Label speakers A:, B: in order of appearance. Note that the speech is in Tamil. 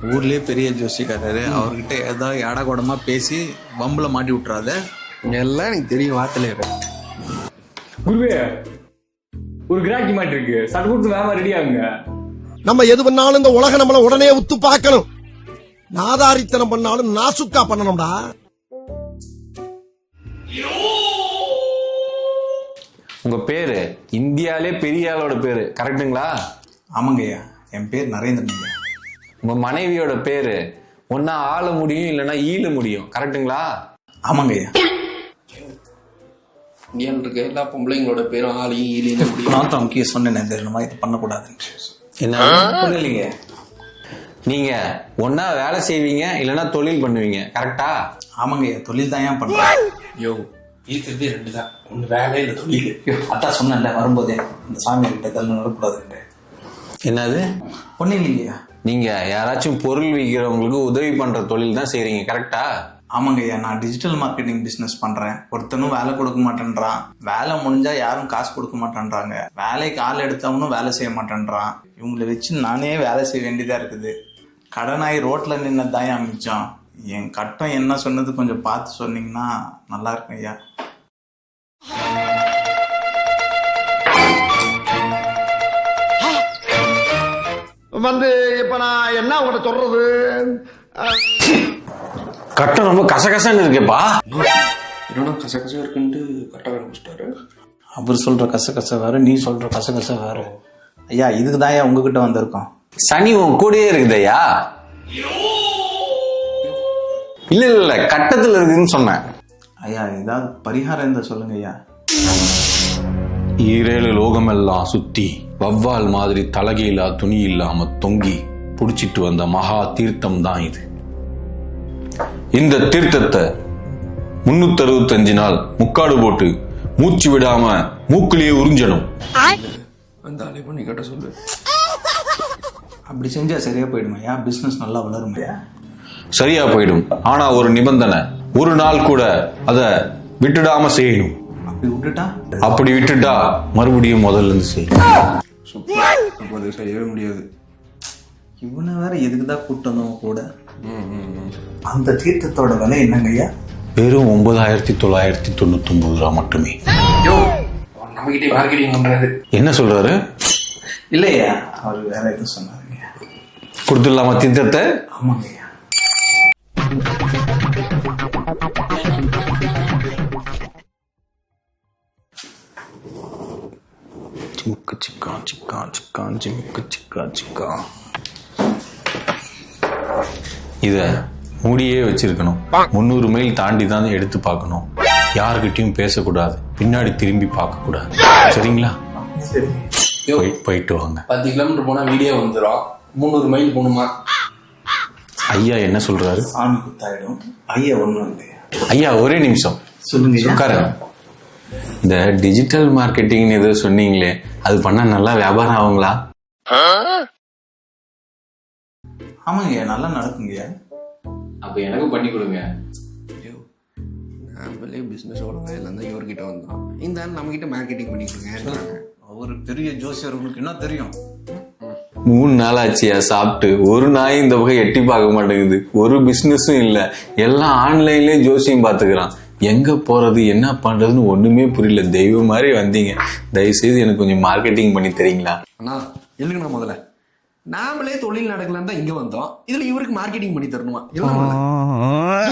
A: ஊர்லயே பெரிய ஜோசிக்காரரு, அவர்கிட்ட ஏதாவது ஏடா கூடமா பேசி வம்புல மாட்டி விட்டுறாத.
B: எல்லாம் எனக்கு தெரியும் வார்த்தையில.
C: குருவே, ஒரு கிராக்கி மாட்டி இருக்கு, சட்டு கொடுத்து வேமா ரெடி ஆகுங்க.
D: நம்ம எது பண்ணாலும் இந்த உலக நம்மள உடனே உத்து பார்க்கணும். நாதாரித்தனம் பண்ணாலும் நாசுக்கா பண்ணணும்டா.
E: உங்க பேரு இந்தியாலே பெரிய ஆளோட பேரு கரெக்டுங்களா?
A: ஆமாங்கய்யா, என் பேர் நரேந்திரன்.
E: உங்க மனைவியோட பேரு ஒன்னா ஆள முடியும் இல்லைன்னா ஈழ முடியும் கரெக்டுங்களா?
A: ஆமாங்கய்யா.
B: இந்தியாவில் இருக்க எல்லா பொம்பளைங்களோட பேரும் ஆளையும் ஈழையும் முடியும்.
A: நான் தான் முக்கிய சொன்னேன், தெரியுமா, இது பண்ணக்கூடாதுன்னு.
E: என்ன
A: புரியலைங்க.
E: நீங்க ஒன்னா வேலை செய்வீங்க இல்லைன்னா தொழில் பண்ணுவீங்க கரெக்டா?
A: ஆமாங்கய்யா, தொழில் தான் ஏன் பண்றேன்.
B: யோ இருக்கிறதே ரெண்டு தான், ஒன்னு வேலை இல்லை தொழில்.
A: அதான் சொன்னேன்ல வரும்போதே, இந்த சாமி கிட்ட இதெல்லாம் நடக்கூடாதுன்னு.
E: என்னது?
A: ஒன்னும் இல்லைங்கய்யா.
E: நீங்க யாராச்சும் பொருள் விற்கிறவங்களுக்கு உதவி பண்ற தொழில் தான் செய்றீங்க கரெக்டா?
A: ஆமாங்கய்யா, நான் டிஜிட்டல் மார்க்கெட்டிங் பிசினஸ் பண்றேன். ஒருத்தனும் வேலை கொடுக்க மாட்டேன்றான். வேலை முடிஞ்சா யாரும் காசு கொடுக்க மாட்டேன்றாங்க. வேலைக்கு ஆள் எடுத்தவனும் வேலை செய்ய மாட்டேன்றான். இவங்களை வச்சு நானே வேலை செய்ய வேண்டியதா இருக்குது. கடனாய் ரோட்ல நின்னதான் மிச்சம். என் கட்டம் என்ன சொன்னது கொஞ்சம் பார்த்து சொன்னீங்கன்னா நல்லா இருக்கும் ஐயா.
D: வந்து இப்ப நான் என்ன உங்கள்கிட்ட சொல்றது?
E: கட்டம் ரொம்ப கசகசன்னு இருக்கேப்பா.
B: என்னன்னா கசகசம் இருக்குன்ட்டு கரெக்டாக ஆரம்பிச்சிட்டாரு.
A: அவர் சொல்ற கசகச வேற, நீ சொல்ற கசகச வேற. ஐயா, இதுக்கு தான் ஐயா உங்ககிட்ட வந்திருக்கோம்.
E: சனி உன் கூடயே இருக்குதையா? இல்ல இல்ல கட்டத்துல இருக்குன்னு சொன்னேன்.
A: ஐயா, ஏதாவது பரிகாரம் இருந்தா சொல்லுங்க ஐயா.
E: ஈரேழு லோகமெல்லாம் சுத்தி வவ்வால் மாதிரி தலகையிலா துணி இல்லாம தொங்கி புடிச்சிட்டு வந்த மகா தீர்த்தம் தான் இது. இந்த தீர்த்தத்தை 365 நாள் முக்காடு போட்டு மூச்சு விடாம மூக்குலயே உறிஞ்சணும்.
B: அந்த ஆளை பண்ணி கேட்ட சொல்லு.
A: அப்படி செஞ்சா சரியா போயிடும் ஐயா, பிசினஸ் நல்லா வளரும் ஐயா.
E: சரியா போயிடும், ஆனா ஒரு நிபந்தனை, ஒரு நாள் கூட அத விட்டுடாம செய்யணும். அப்படி விட்டுட்டா மறுபடியும் முதல்ல இருந்து செய்யணும்.
B: அது செய்யவே முடியாது.
A: இவனை வேற எதுக்குதான் கூட்டணும் கூட. அந்த தீர்த்தத்தோட விலை என்னங்க ஐயா?
E: வெறும் 9,999 ரூபா மட்டுமே.
B: நம்ம கிட்டே மார்க்கெட்டிங் பண்றாரு.
E: என்ன சொல்றாரு?
A: இல்லையா, அவர் வேற எதுவும் சொன்னாருங்க.
E: கொடுத்துடலாமா தீர்த்தத்தை?
A: ஆமாங்க ஐயா. சிமுக்கு சிக்கா சிக்கா சிக்கா சிமுக்கு சிக்கா சிக்கா.
E: இத மூடியே வச்சிருக்கணும். 300 மைல் தாண்டி தான் எடுத்து பார்க்கணும். யாருக்கிட்டையும் பேசக்கூடாது, பின்னாடி திரும்பி பார்க்க கூடாது. சரிங்களா? போயிட்டு வாங்க.
B: 10 கிலோமீட்டர் போனா வீடியோ வந்துடும். 300 மைல் போகணுமா?
E: ஐயா என்ன சொல்றாரு?
A: சாமி குத்தாயிடும் ஐயா. ஒண்ணு
E: ஐயா ஒரே நிமிஷம்
A: சொல்லுங்க.
E: உட்காருங்க. இந்த டிஜிட்டல் மார்க்கெட்டிங் ஏதோ சொன்னீங்களே, அது பண்ணா நல்லா வியாபாரம் ஆகுங்களா?
A: ஆமாங்க, நல்லா நடக்குங்க.
E: அப்ப எனக்கு பண்ணி கொடுங்க.
B: நம்மளே பிசினஸ் ஒழுங்கா எல்லாம் தான் இவர்கிட்ட வந்தோம். இந்த ஆள் நம்ம கிட்ட மார்க்கெட்டிங் பண்ணிக்கோங்க.
A: ஒரு பெரிய ஜோசியர், உங்களுக்கு என்ன தெரியும்?
E: 3 நாள் ஆச்சியா சாப்பிட்டு, ஒரு நாய் இந்த பக்கம் எட்டி பார்க்க மாட்டேங்குது. ஒரு பிசினஸும் இல்ல, எல்லாம் ஆன்லைன்லயே ஜோசியம் பாத்துக்கிறான். எங்க போறது என்ன பண்றதுன்னு ஒண்ணுமே புரியல. தெய்வம் மாதிரி வந்தீங்க, தயவு செய்து எனக்கு கொஞ்சம் மார்க்கெட்டிங் பண்ணி தரீங்களா?
B: அண்ணா எழுதுங்கண்ணா. முதல்ல நாமளே தொழில் நடக்கலான்னு தான் இங்க வந்தோம். இதுல இவருக்கு மார்க்கெட்டிங் பண்ணி தரணுமா?